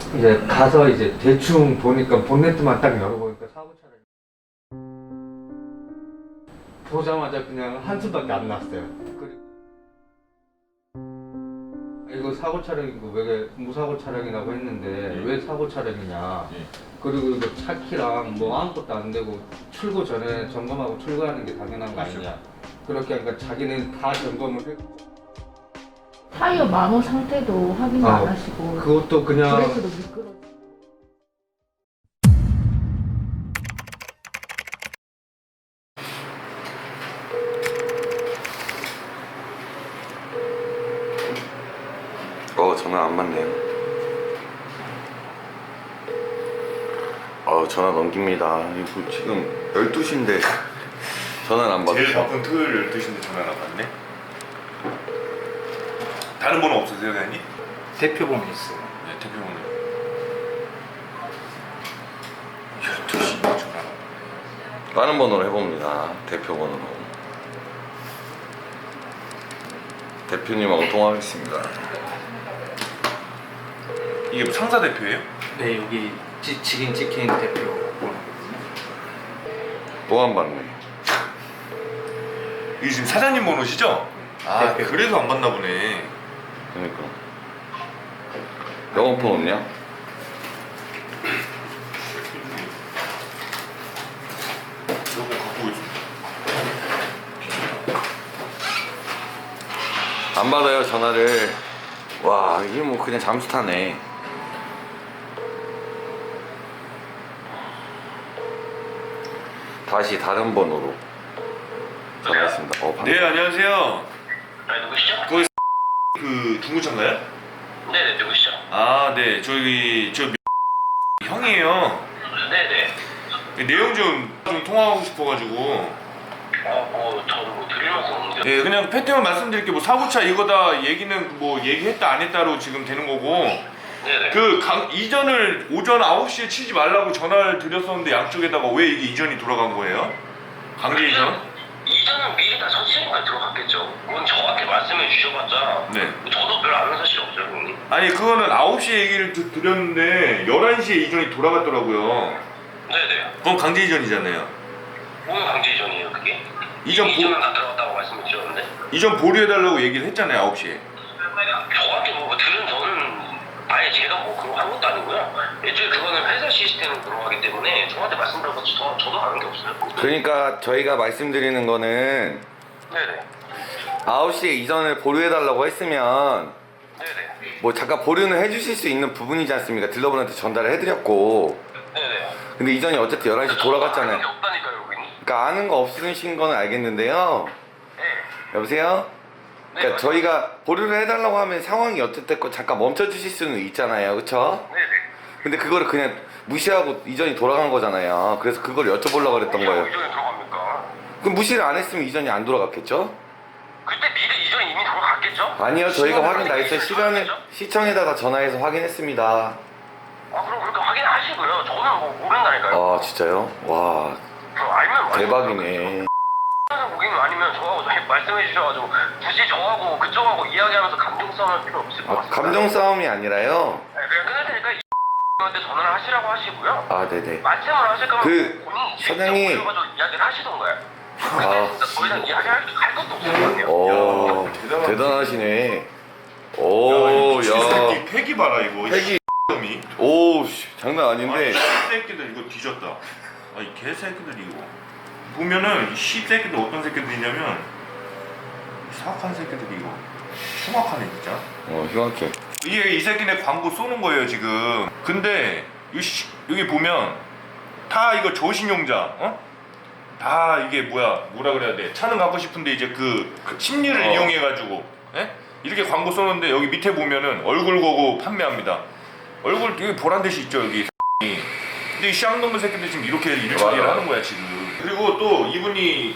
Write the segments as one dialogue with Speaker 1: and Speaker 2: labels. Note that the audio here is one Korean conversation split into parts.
Speaker 1: 이제 가서 이제 대충 보니까 본네트만 딱 열어보니까 사고 차량이 보자마자 그냥 한숨밖에 안 났어요. 그리고 이거 사고 차량이고 왜 무사고 차량이라고 했는데 왜 사고 차량이냐. 그리고 이거 차 키랑 뭐 아무것도 안 되고 출고 전에 점검하고 출고하는 게 당연한 거 아니냐. 그렇게 하니까 자기는 다 점검을 했고
Speaker 2: 타이어 마모 상태도 확인 안 하시고
Speaker 1: 그것도 그냥
Speaker 2: 브레이크도 미끄러.
Speaker 3: 전화 안 받네요. 전화 넘깁니다. 이거 지금 12시인데 전화를 안 받으셔.
Speaker 4: 제일 바쁜 토요일 12시인데 전화를 안 받네? 다른 번호 없으세요, 사장님?
Speaker 5: 대표번호 있어요.
Speaker 4: 네, 대표번호 12시 전화 안 받네.
Speaker 3: 다른 번호로 해봅니다. 대표 번호로. 대표님하고 통화하겠습니다.
Speaker 4: 이게 뭐 상사 대표예요?
Speaker 5: 네, 여기 직인 찍힌 대표 번호거든요.
Speaker 3: 또 안 받네.
Speaker 4: 이게 지금 사장님 번호시죠? 아,
Speaker 5: 대표.
Speaker 4: 그래서 안 받나 보네.
Speaker 3: 그러니까. 영어폰 없냐?
Speaker 4: 저거 갖고 오겠습니다.
Speaker 3: 안 받아요, 전화를. 와, 이게 뭐 그냥 잠수 타네. 다시 다른 번호로 전화했습니다.
Speaker 4: 네, 안녕하세요.
Speaker 6: 네, 누구시죠?
Speaker 4: 그 중구차인가요?
Speaker 6: 네네, 누구시죠?
Speaker 4: 아, 네. 저기 형이에요.
Speaker 6: 네네.
Speaker 4: 내용 좀 통화하고 싶어가지고.
Speaker 6: 저는 뭐 드릴 말씀 없는데.
Speaker 4: 네, 그냥 팩트만 말씀드릴게요. 뭐 사고차 이거다 얘기는 뭐 얘기했다 안 했다로 지금 되는 거고.
Speaker 6: 네네.
Speaker 4: 이전을 오전 9시에 치지 말라고 전화를 드렸었는데 양쪽에다가 왜 이게 이전이 돌아간 거예요? 강제 이전?
Speaker 6: 이전은 미리 다 설치니까 들어갔겠죠. 그건 저한테 말씀해 주셔봤자.
Speaker 4: 네.
Speaker 6: 저도 별로 아는 사실 없어요, 형님.
Speaker 4: 아니 그거는 9시에 얘기를 드렸는데 11시에 이전이 돌아갔더라고요.
Speaker 6: 네네.
Speaker 4: 그건 강제 이전이잖아요.
Speaker 6: 오늘 강제 이전이에요, 그게?
Speaker 4: 이전은
Speaker 6: 다 들어갔다고 말씀해 주셨는데.
Speaker 4: 이전 보류해달라고 얘기를 했잖아요, 9시에.
Speaker 6: 정확히 뭐 들은 저는 아예 제가 뭐 그런 거 한 것도 아니고요. 애초에 그거는 회사 시스템으로 들어가기 때문에 저한테 말씀드려봤자 저도 아는 게 없어요.
Speaker 3: 그러니까 저희가 말씀드리는 거는
Speaker 6: 네네.
Speaker 3: 9시에 이전을 보류해달라고 했으면
Speaker 6: 네네.
Speaker 3: 뭐 잠깐 보류는 해주실 수 있는 부분이지 않습니까? 딜러분한테 전달을 해드렸고.
Speaker 6: 네네.
Speaker 3: 근데 이전이 어쨌든 11시
Speaker 6: 아는 게
Speaker 3: 돌아갔잖아요.
Speaker 6: 없다니까요, 여기는.
Speaker 3: 그러니까 아는 거 없으신 거는 알겠는데요.
Speaker 6: 네.
Speaker 3: 여보세요? 그러니까
Speaker 6: 네,
Speaker 3: 저희가 보류를 해달라고 하면 상황이 어쨌든 잠깐 멈춰주실 수는 있잖아요, 그쵸?
Speaker 6: 네네.
Speaker 3: 근데 그거를 그냥 무시하고 이전이 돌아간 거잖아요. 그래서 그걸 여쭤보려고 그랬던 거예요.
Speaker 6: 이전에 들어갑니까?
Speaker 3: 그럼 무시를 안 했으면 이전이 안 돌아갔겠죠?
Speaker 6: 그때 미리 이전이 이미 들어갔겠죠?
Speaker 3: 아니요, 저희가 확인 다
Speaker 6: 시간을
Speaker 3: 했어요.
Speaker 6: 확인했죠?
Speaker 3: 시청에다가 전화해서 확인했습니다.
Speaker 6: 그럼 그렇게 확인하시고요. 저는 뭐 모른다니까요.
Speaker 3: 아, 진짜요? 와,
Speaker 6: 알면
Speaker 3: 대박이네.
Speaker 6: 고객님 아니면 저하고 말씀해 주셔가지고 굳이 저하고 그쪽하고 이야기하면서 감정 싸움할 필요 없을 것 같습니다.
Speaker 3: 감정 싸움이 아니라요?
Speaker 6: 네, 그냥 끊을 테니까 한테 전화를 하시라고 하시고요.
Speaker 3: 아, 네네.
Speaker 6: 말씀을 하실 거면 본인이 직접
Speaker 3: 사장님.
Speaker 6: 오셔가지고 이야기를 하시던가요.
Speaker 3: 아.
Speaker 6: 근데 더 이상 이야기할 것도 없을 것 같아요.
Speaker 3: 오,
Speaker 4: 야,
Speaker 3: 대단하시네. 오, 야.
Speaker 4: 이 팩이 봐라 이거.
Speaker 3: 팩이.
Speaker 4: 놈이.
Speaker 3: 오, 씨, 장난 아닌데.
Speaker 4: 새끼들 이거 뒤졌다. 이 개새끼들 이거. 보면은 이 새끼들 어떤 새끼들이냐면 사악한 새끼들이 이거. 흉악하네 진짜.
Speaker 3: 흉악해.
Speaker 4: 이게 이 새끼네 광고 쏘는 거예요 지금. 근데 여기 보면 다 이거 저신용자, 다 이게 뭐라 그래야 돼? 차는 갖고 싶은데 이제 그 심리를 이용해가지고 이렇게 광고 쏘는데 여기 밑에 보면은 얼굴 거고 판매합니다. 얼굴 여기 보란 듯이 있죠 여기. 근데 이 쌍놈의 새끼들 지금 이렇게 일처리를 하는 거야 지금. 그리고 또 이분이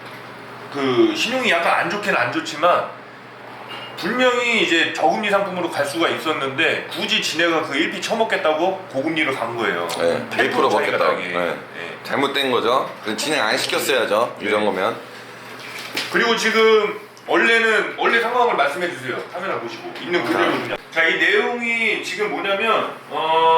Speaker 4: 그 신용이 약간 안 좋긴 안 좋지만. 분명히 이제 저금리 상품으로 갈 수가 있었는데 굳이 지네가 그 1피 쳐먹겠다고 고금리로 간 거예요.
Speaker 3: 네, 1% 받겠다고. 네. 잘못된 거죠. 진행 안 시켰어야죠. 이런 거면.
Speaker 4: 그리고 지금 원래 상황을 말씀해 주세요. 카메라 보시고 있는 그대로 그냥. 자, 이 내용이 지금 뭐냐면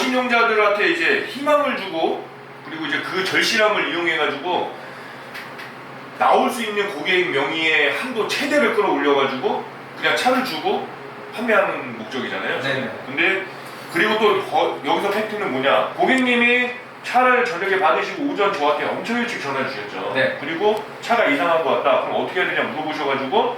Speaker 4: 저신용자들한테 이제 희망을 주고 그리고 이제 그 절실함을 이용해가지고 나올 수 있는 고객 명의의 한도 최대를 끌어올려가지고 그냥 차를 주고 판매하는 목적이잖아요.
Speaker 1: 네네.
Speaker 4: 근데 그리고 또 여기서 팩트는 뭐냐? 고객님이 차를 저녁에 받으시고 오전 저한테 엄청 일찍 전화 주셨죠.
Speaker 1: 네.
Speaker 4: 그리고 차가 이상한 것 같다. 그럼 어떻게 해야 되냐 물어보셔가지고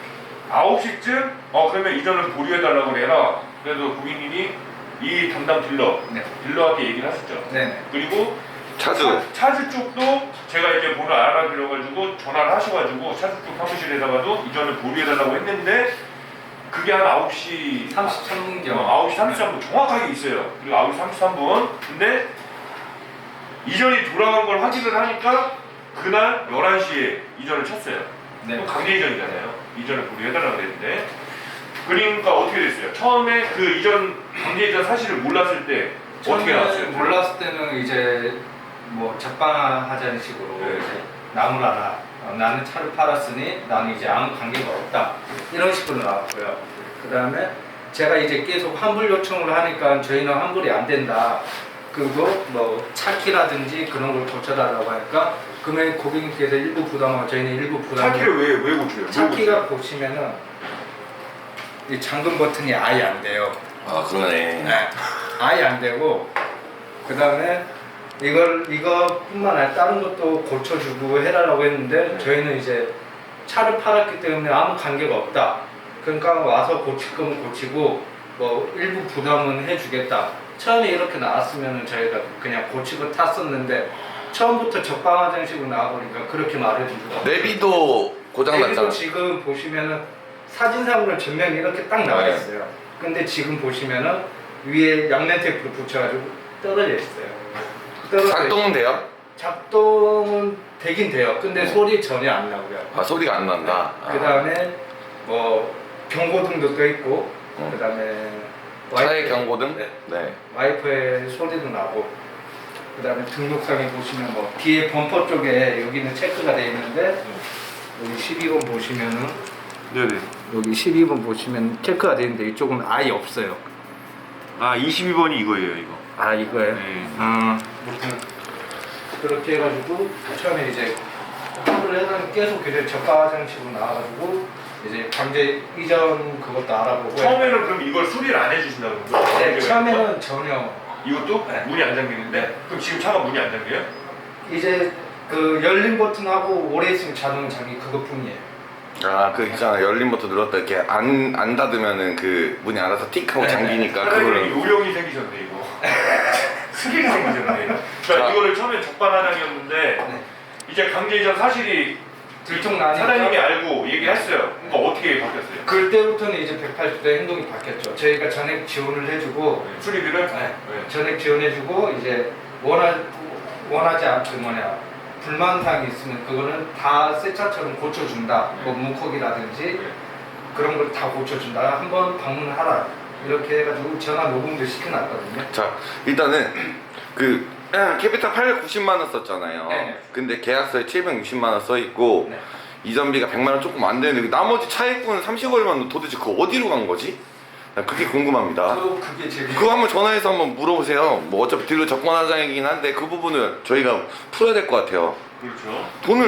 Speaker 4: 9시쯤 그러면 이전을 보류해달라고 해라. 그래서 고객님이 이 담당 딜러한테 얘기를 하셨죠.
Speaker 1: 네네.
Speaker 4: 그리고
Speaker 3: 차주.
Speaker 4: 차주 쪽도 제가 이제 번호 알아드려가지고 전화를 하셔가지고 차주 쪽 사무실에다가도 이전을 보류해달라고 했는데 그게 한 9시
Speaker 1: 33분경.
Speaker 4: 9시 33분 정확하게 있어요. 그리고 9시 33분. 근데 이전이 돌아간 걸 확인을 하니까 그날 11시에 이전을 쳤어요.
Speaker 1: 네.
Speaker 4: 또 강제 이전이잖아요. 이전을 보류해달라고 그랬는데 그러니까 어떻게 됐어요? 처음에 그 이전 강제 이전 사실을 몰랐을 때 어떻게 나왔어요?
Speaker 1: 몰랐을 때는 이제 뭐 적방하자는 식으로
Speaker 4: 네.
Speaker 1: 이제 나무라라. 나는 차를 팔았으니 나는 이제 아무 관계가 없다. 이런 식으로 나왔고요. 그 다음에 제가 이제 계속 환불 요청을 하니까 저희는 환불이 안 된다. 그리고 뭐 차키라든지 그런 걸 고쳐달라고 하니까 그러면 고객님께서 일부 부담하고 저희는 일부 부담.
Speaker 4: 차키를 왜 고쳐요?
Speaker 1: 차키가 보시면은 이 잠금 버튼이 아예 안 돼요.
Speaker 3: 아 그러네.
Speaker 1: 네. 아예 안 되고 그 다음에 이거뿐만 아니라 다른 것도 고쳐주고 해라라고 했는데 저희는 이제 차를 팔았기 때문에 아무 관계가 없다. 그러니까 와서 고칠 거면 고치고 뭐 일부 부담은 해주겠다. 처음에 이렇게 나왔으면 저희가 그냥 고치고 탔었는데 처음부터 적방화장식으로 나와버리니까 그렇게 말해주고.
Speaker 3: 내비도 고장 났잖아.
Speaker 1: 지금 보시면은 사진상으로 전면이 이렇게 딱 나와 있어요. 근데 지금 보시면은 위에 양면 테이프로 붙여가지고 떨어져 있어요.
Speaker 3: 작동은 돼요?
Speaker 1: 작동은 되긴 돼요. 근데 소리 전혀 안 나고요.
Speaker 3: 아 소리가 안 난다.
Speaker 1: 그 다음에 뭐 경고등도 떠 있고, 그 다음에
Speaker 3: 차의 경고등?
Speaker 1: 네.
Speaker 3: 네.
Speaker 1: 와이퍼의 소리도 나고, 그 다음에 등록상에 보시면 뭐 뒤에 범퍼 쪽에 여기는 체크가 되어 있는데 여기 12번 보시면은
Speaker 4: 네네.
Speaker 1: 여기 12번 보시면 체크가 되어 있는데 이쪽은 아예 없어요.
Speaker 4: 아 22번이 이거예요 이거.
Speaker 1: 아 이거예요?
Speaker 4: 네.
Speaker 1: 보통 그렇게 해가지고 처음에 이제 환불을 해서 계속 이제 저가장식으로 나와가지고 이제 강제 이전 그것도 알아보고.
Speaker 4: 처음에는 그럼 이걸 수리를 안 해주신다는 거죠?
Speaker 1: 네, 처음에는 전혀.
Speaker 4: 이것도
Speaker 1: 네.
Speaker 4: 문이 안 잠기는데?
Speaker 1: 네.
Speaker 4: 그럼 지금 차가 문이 안 잠겨요?
Speaker 1: 이제 그 열린 버튼하고 오래 있으면 자동 잠기 그것뿐이에요.
Speaker 3: 아 그 있잖아 열린 버튼 눌렀다 이렇게 안 닫으면은 그 문이 알아서 틱 하고
Speaker 1: 네.
Speaker 3: 잠기니까
Speaker 4: 사장님이
Speaker 3: 그거를.
Speaker 4: 요령이 생기셨네 이거. 스킬이 생기셨네. 그러니까
Speaker 3: 자.
Speaker 4: 이거를 처음에 적반하장이었는데
Speaker 1: 네.
Speaker 4: 이제 강제 이전 사실이
Speaker 1: 들통나니까
Speaker 4: 사장님이 알고 얘기했어요. 그러니까 어떻게 바뀌었어요?
Speaker 1: 그때부터는 이제 180도 행동이 바뀌었죠. 저희가 전액 지원을 해주고
Speaker 4: 수리비를?
Speaker 1: 네. 전액 지원해주고 이제 원하지 않고 불만사항이 있으면 그거는 다 새 차처럼 고쳐준다. 뭐 문콕이라든지 그런 걸 다 고쳐준다. 한번 방문하라. 이렇게 해가지고 전화 녹음도 시켜놨거든요.
Speaker 3: 자 일단은 그 캐피탈 890만 원 썼잖아요.
Speaker 1: 네.
Speaker 3: 근데 계약서에 760만 원 써 있고
Speaker 1: 네.
Speaker 3: 이전비가 100만 원 조금 안 되는데 나머지 차액분 30얼마는 도대체 그거 어디로 간 거지? 나 그게 궁금합니다.
Speaker 1: 그게 제일
Speaker 3: 그거 한번 전화해서 한번 물어보세요. 뭐 어차피 딜러 적반하장이긴 한데 그 부분을 저희가 풀어야 될 것 같아요.
Speaker 4: 그렇죠.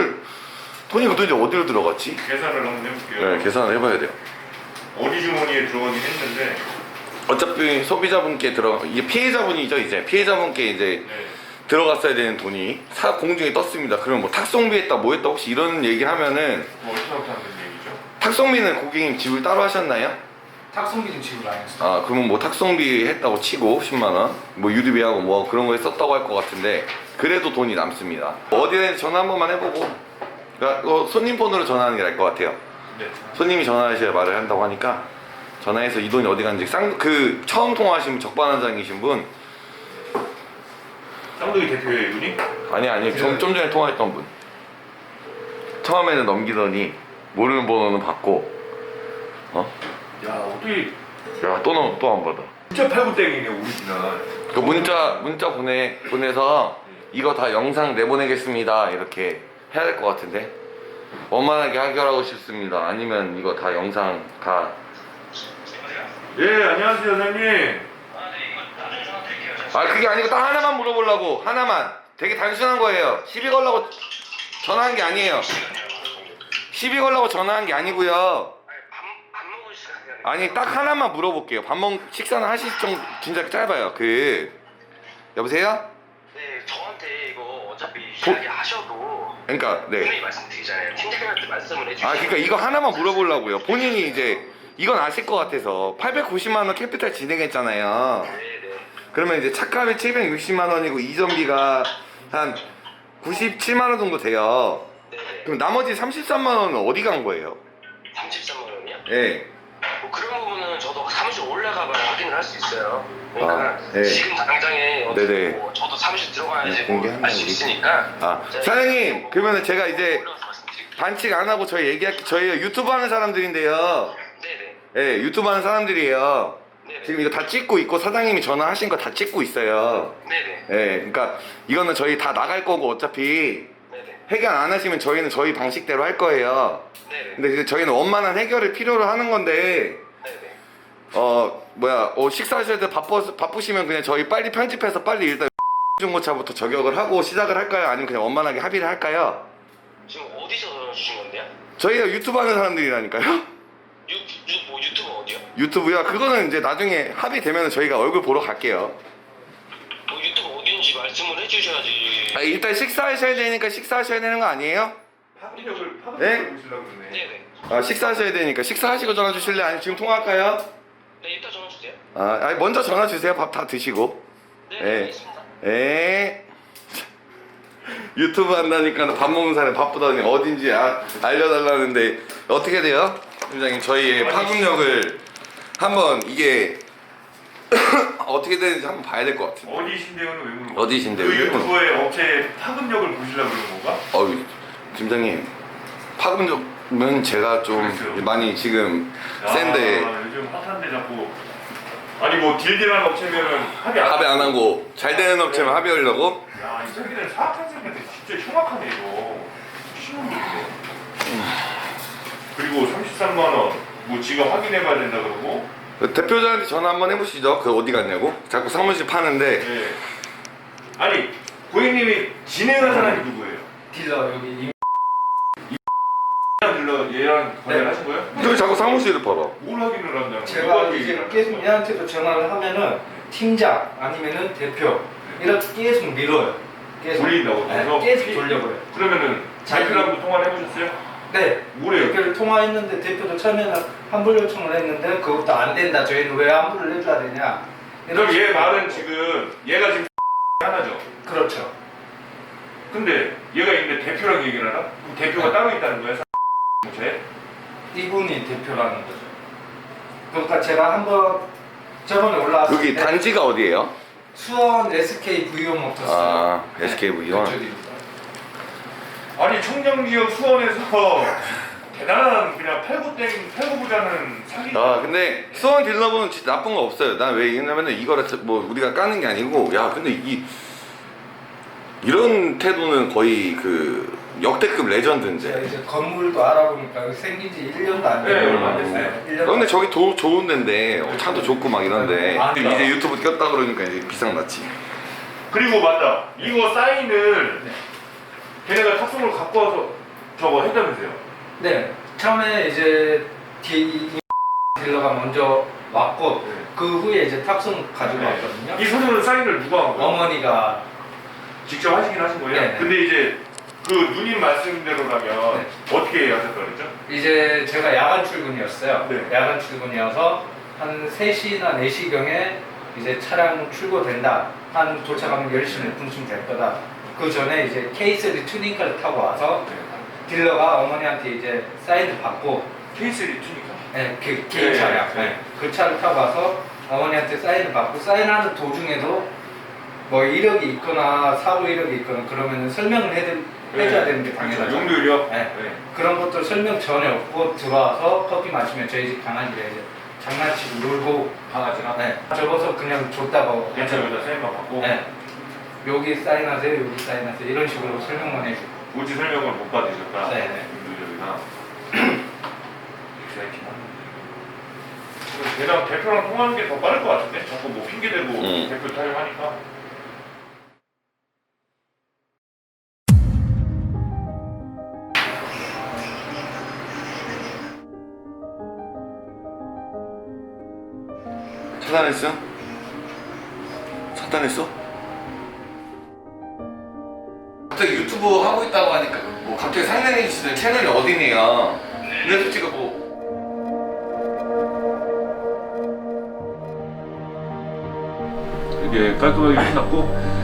Speaker 3: 돈이 도대체 어디로 들어갔지?
Speaker 4: 계산을 한번 해볼게요.
Speaker 3: 네, 계산을 해봐야 돼요.
Speaker 4: 어디 주머니에 들어가긴 했는데
Speaker 3: 어차피 소비자분께 이게 피해자분이죠 이제 피해자분께 이제
Speaker 4: 네.
Speaker 3: 들어갔어야 되는 돈이 공중에 떴습니다. 그러면 뭐 탁송비 했다 뭐 했다 혹시 이런 얘기 하면은
Speaker 4: 뭐 어디서부터 하는 얘기죠?
Speaker 3: 탁송비는 고객님 지불 따로 하셨나요?
Speaker 1: 탁송비는 지불 안 했어요.
Speaker 3: 아 그러면 뭐 탁송비 했다고 치고 10만원 뭐 유류비하고 뭐 그런 거에 썼다고 할 것 같은데 그래도 돈이 남습니다. 어디에 전화 한 번만 해보고 그러니까 손님 폰으로 전화하는 게 나을 것 같아요.
Speaker 4: 네.
Speaker 3: 손님이 전화하셔야 말을 한다고 하니까 전화해서 이 돈이 어디 갔는지 그 처음 통화하신 적반하장이신 분
Speaker 4: 쌍둥이 대표예요 이분이?
Speaker 3: 아니 좀 전에 통화했던 분 처음에는 넘기더니 모르는 번호는 받고
Speaker 4: 야 어떻게
Speaker 3: 야 또 안 받아.
Speaker 4: 진짜 팔구땡이네 오리지널.
Speaker 3: 그 문자 보내서 이거 다 영상 내보내겠습니다 이렇게 해야 될 것 같은데 원만하게 해결하고 싶습니다. 아니면 이거 다 영상 다.
Speaker 4: 예 안녕하세요 사장님.
Speaker 6: 아, 네, 이거 나중에 전화 드릴게요.
Speaker 3: 아 그게 아니고 딱 하나만 물어보려고. 하나만. 되게 단순한 거예요. 시비 걸라고 전화한 게 아니에요. 시비 걸라고 전화한 게 아니고요.
Speaker 6: 밥 먹을 시간이 아니라.
Speaker 3: 아니 딱 하나만 물어볼게요. 식사는 하실 정 진짜 짧아요. 여보세요?
Speaker 6: 네, 저한테 이거 어차피
Speaker 3: 보-
Speaker 6: 이야기하셔도
Speaker 3: 그러니까 네.
Speaker 6: 분명히 말씀드리잖아요. 팀장님한테 말씀을 해주시고.
Speaker 3: 아 그러니까 이거 하나만 물어보려고요. 본인이 이제 이건 아실 것 같아서 890만 원 캐피탈 진행했잖아요.
Speaker 6: 네네.
Speaker 3: 그러면 이제 차값이 760만 원이고 이전비가 한 97만 원 정도 돼요.
Speaker 6: 네네.
Speaker 3: 그럼 나머지 33만 원은 어디 간 거예요?
Speaker 6: 33만 원이요?
Speaker 3: 예.
Speaker 6: 뭐 그런 부분은 저도 사무실 올라가봐야 확인을 할 수 있어요. 그러니까
Speaker 3: 아, 네.
Speaker 6: 지금 당장에
Speaker 3: 네네.
Speaker 6: 뭐 저도 사무실 들어가야지
Speaker 3: 네, 공개한다고
Speaker 6: 알 수 있으니까.
Speaker 3: 아
Speaker 6: 제가
Speaker 3: 사장님 그러면 제가 이제
Speaker 6: 올라가서 말씀드릴게요.
Speaker 3: 반칙 안 하고 저희 유튜브 하는 사람들인데요.
Speaker 6: 네네.
Speaker 3: 예, 유튜브 하는 사람들이에요.
Speaker 6: 네네.
Speaker 3: 지금 이거 다 찍고 있고 사장님이 전화하신 거 다 찍고 있어요.
Speaker 6: 네네.
Speaker 3: 예, 그러니까 이거는 저희 다 나갈 거고 어차피
Speaker 6: 네네.
Speaker 3: 해결 안 하시면 저희는 저희 방식대로 할 거예요.
Speaker 6: 네네.
Speaker 3: 근데 이제 저희는 원만한 해결을 필요로 하는 건데
Speaker 6: 네네.
Speaker 3: 식사하실 때 바쁘시면 그냥 저희 빨리 편집해서 빨리 일단 중고차부터 저격을 하고 시작을 할까요? 아니면 그냥 원만하게 합의를 할까요?
Speaker 6: 지금 어디서 전화 주신 건데요?
Speaker 3: 저희가 유튜브 하는 사람들이라니까요.
Speaker 6: 뭐 유튜브 어디요?
Speaker 3: 유튜브요? 그거는 이제 나중에 합의되면 저희가 얼굴 보러 갈게요.
Speaker 6: 뭐 유튜브 어딘지 말씀을 해주셔야지.
Speaker 3: 아, 일단 식사하셔야 되니까 식사하셔야 되는 거 아니에요?
Speaker 4: 파급력을
Speaker 3: 네?
Speaker 4: 보시려고 그러네.
Speaker 6: 네네.
Speaker 3: 아, 식사하셔야 되니까 식사하시고 전화 주실래요? 아니면 지금 통화할까요?
Speaker 6: 네, 이따 전화 주세요.
Speaker 3: 아니, 먼저 전화 주세요. 밥 다 드시고.
Speaker 6: 네,
Speaker 3: 네.
Speaker 6: 알겠습니다.
Speaker 3: 에 유튜브 한다니까 밥 먹는 사람이 바쁘다니 어딘지 알려달라는데 어떻게 돼요? 팀장님 저희의 파급력을 한번 이게 어떻게 되는지 한번 봐야 될 것 같아요.
Speaker 4: 어디신데요는 왜 물어보는 거야?
Speaker 3: 어디신데요?
Speaker 4: 그 유튜브의 업체 파급력을 보시려고 그러는 건가?
Speaker 3: 어이 팀장님 파급력은 제가 좀
Speaker 4: 그렇죠.
Speaker 3: 많이 지금 센데
Speaker 4: 요즘 핫한데 자꾸 아니 뭐 딜딜한 업체면은 합의
Speaker 3: 합의 안 하고 잘 되는 업체만 합의하려고?
Speaker 4: 야, 이 새끼들 사악한 새끼들 진짜 흉악하네 이거. 신혼들인데. 그리고 33만 원, 뭐 지가 확인해봐야 된다 그러고.
Speaker 3: 그 대표자한테 전화 한번 해보시죠. 그 어디 갔냐고? 자꾸 사무실 파는데
Speaker 4: 네. 아니 고객님이 진행한 사람이 누구예요?
Speaker 1: 딜러 여기
Speaker 4: 딜러 얘랑 거래를 하신 거예요?
Speaker 3: 왜 자꾸 사무실을 팔아?
Speaker 4: 뭘 확인을 한다는
Speaker 1: 제가
Speaker 4: 거예요?
Speaker 1: 이제 계속 얘한테도 전화를 하면은 팀장 아니면은 대표 이렇게 계속 밀어요. 계속
Speaker 4: 돌린다고
Speaker 1: 네,
Speaker 4: 그래서?
Speaker 1: 계속 돌려버려요.
Speaker 4: 그러면은 대표랑도 통화를 해보셨어요?
Speaker 1: 네.
Speaker 4: 뭐래요?
Speaker 1: 대표를 통화했는데 대표도 처음에는 환불 요청을 했는데 그것도 안 된다. 저희는 왜 환불을 해줘야 되냐.
Speaker 4: 그럼
Speaker 1: 이런
Speaker 4: 얘
Speaker 1: 식으로.
Speaker 4: 말은 지금 얘가 지금 하나죠?
Speaker 1: 그렇죠.
Speaker 4: 근데 얘가 있는데 대표랑 얘기를 하나? 그럼 대표가 따로 있다는 거야? 제?
Speaker 1: 이분이 대표라는 거죠. 그러니까 제가 한번 저번에 올라왔을
Speaker 3: 여기
Speaker 1: 때
Speaker 3: 단지가 어디예요?
Speaker 1: 수원 SK VO 모터스.
Speaker 3: 아, SK V1.
Speaker 1: 그쪽입니다.
Speaker 4: 아니 청정지역 수원에서 대단한 그냥 팔고부자는 사기.
Speaker 3: 아 근데 수원 딜러분은 진짜 나쁜 거 없어요. 난 왜 이러냐면은 이거를 뭐 우리가 까는 게 아니고 야 근데 이런 태도는 거의 그 역대급
Speaker 1: 제가
Speaker 3: 레전드인데.
Speaker 1: 이제 건물도 알아보니까 생긴 지 1년도 안
Speaker 4: 네,
Speaker 1: 돼요.
Speaker 4: 얼마 안 됐어요.
Speaker 1: 1년
Speaker 3: 근데 저기 좋은 데인데 차도 좋고 막 이런데
Speaker 1: 아,
Speaker 3: 이제 유튜브 꼈다 그러니까 이제 비상 났지.
Speaker 4: 그리고 맞다. 이거 사인을
Speaker 1: 네.
Speaker 4: 걔네가 탁송을 갖고 와서 저거 했다면서요?
Speaker 1: 네. 처음에 이제 딜러가 먼저 왔고
Speaker 4: 네.
Speaker 1: 그 후에 이제 탑승 가지고 왔거든요.
Speaker 4: 이 서류는 사인을 누가 한 거예요?
Speaker 1: 어머니가
Speaker 4: 직접 하시긴 하신 거예요?
Speaker 1: 네, 네.
Speaker 4: 근데 이제 그 누님 말씀대로라면
Speaker 1: 네.
Speaker 4: 어떻게 하셨다 그랬죠?
Speaker 1: 이제 제가 야간 출근이었어요.
Speaker 4: 네.
Speaker 1: 야간 출근이어서 한 3시나 4시경에 이제 차량 출고된다. 한 도착하면 10시 몇 분쯤 될 거다. 그 전에 이제 K3 튜닝카를 타고 와서 딜러가 어머니한테 이제 사인을 받고
Speaker 4: K3 투니까?
Speaker 1: 네, 그
Speaker 4: 네,
Speaker 1: 개인 차량.
Speaker 4: 네.
Speaker 1: 네. 그 차를 타고 와서 어머니한테 사인을 받고 사인하는 도중에도 뭐 이력이 있거나 사고 이력이 있거나 그러면은 설명을 해줘야 되는 게 당연하죠.
Speaker 4: 용도율이요?
Speaker 1: 네. 그런 것도 설명 전에 없고 들어와서 커피 마시면 저희 집 강아지가 이제 장난치고 놀고
Speaker 4: 강아지가?
Speaker 1: 네. 접어서 그냥 줬다고
Speaker 4: 괜찮습니다. 사인만 받고.
Speaker 1: 네. 여기 사인하세요, 여기 사인하세요 이런 식으로 설명만 해주고.
Speaker 4: 고지 설명을 못 받으셨다.
Speaker 1: 네.
Speaker 4: 용도율이나. 걔랑 대표랑 통하는 게 더 빠를 것 같은데? 자꾸 뭐 핑계대고 대표 타령하니까.
Speaker 3: 차단했어? 차단했어? 갑자기 유튜브 하고 있다고 하니까 뭐 갑자기 상냥해 주시는 채널이 어디네요? 근데 솔직히 뭐
Speaker 4: 이게 깔끔하게 끝났고